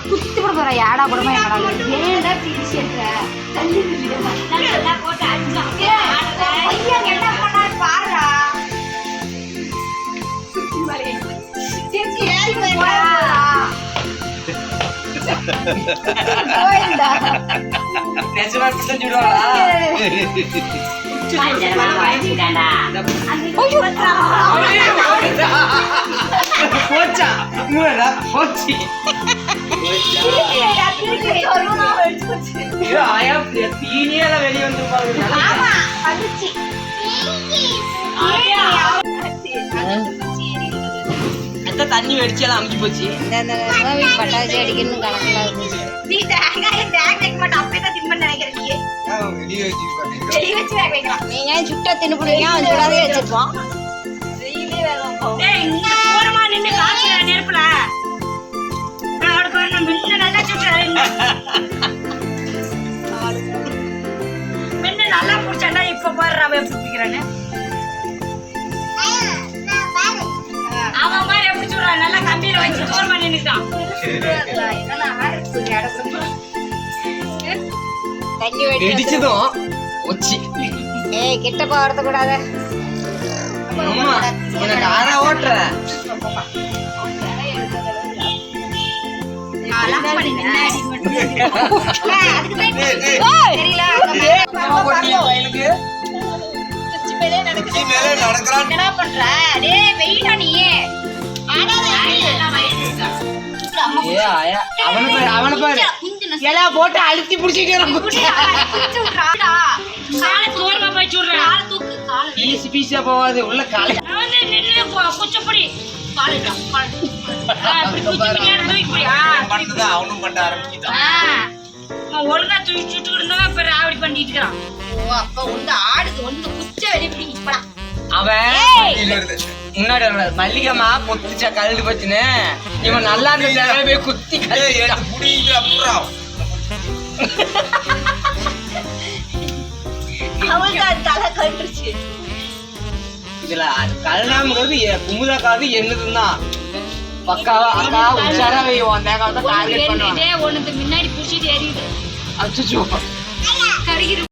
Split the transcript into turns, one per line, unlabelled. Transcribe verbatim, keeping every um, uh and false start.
குத்தி போட போற யாடா கூடமா என்னடா ஏன்டா பிரிச்சிட்ட தள்ளி விடுடா போட்டு அடிச்சா பையன் என்ன பண்ணாரு பாருடா சுத்தி வளைய திருச்சி ஏறி போடா போய்டா
பேசவா பிடிச்சு விடுவாடா
மஞ்சளா வாங்கிட்டாடா ஐயோ
போச்சா மூடா போச்சி
திருச்சிடா திருச்சி சொல்லுனா வெச்சு போச்சு
ஐயோ ஆயா தீனியல வெளிய வந்து பாருங்க
ஆமா வந்துச்சு ஆயா
அந்த தண்ணி வெடிச்சல அமுகி போச்சு
இந்த இந்த கோவி பட்டாசு அடிக்கணும் கணக்குல இருந்துச்சு
நீ தேங்காய் தேங்காய் வைக்க மாட்டே அப்பவே தான் தின்பண்ண நினைக்கிறேன் நீ
வெளியே வச்சு
வெளிய வச்சு வேக வைக்கலாம்
நீங்க சுட்ட தின்னு புடிங்க அவன் சுடாதே வச்சிருப்பான்
வெயிலே வேக வைப்போம் டேய் இங்க போறமா நின்னு காச்சுற நெருப்புல நான் பாரு நான் மின்ன நல்லா சுட்டுறேன் மின்ன நல்லா புடிச்சடா இப்ப பாரு அவ எப்படி பிடிக்கறானே அவன் மாதிரி எப்படி சுடுறான் நல்லா கம்பியில வச்சு போறமா நின்னுட்டான் என்னன்னா ஆடுச்சு அடக்கு
தண்ணி வெடி
வெடிச்சதும் ஒச்சி
ஏய் கிட்ட போறது கூடாது
அம்மா உனக்கு ஆறா ஓட்ற
என்ன பண்ற டேய் வெயிடா நீ
ஏ ஆயா அவன பாரு அவன பாரு எலா போட்டு அழுத்தி புடிச்சிட்டே பீஸ் பீஸா போவாது உள்ள காலை அவனும் பண்ண ஆரம்பிச்சுட்டான்
ஒழுங்கா தூக்கி சுட்டு இருந்தா ராவடி பண்ணிட்டு இருக்கான் ஓ அப்ப வந்து ஆடுது வந்து குச்ச வெளிய பிடிப்படா
அவன் முன்னாடி மல்லிகம்மா பொத்துச்சா கழுது பச்சுன்னு இவன் நல்லா இருந்த போய் குத்தி
அவளுக்கு தலை கட்டுருச்சு
இதுல கல்யாணம்ங்கிறது குமுதாக்காவது என்னதுதான் பக்காவா அக்கா உஷாரா வைவோம் தேங்காய் தான் டார்கெட் பண்ணுவாங்க
ஒண்ணுக்கு முன்னாடி புடிச்சிட்டு எறியுது
அச்சோ
கருகிரு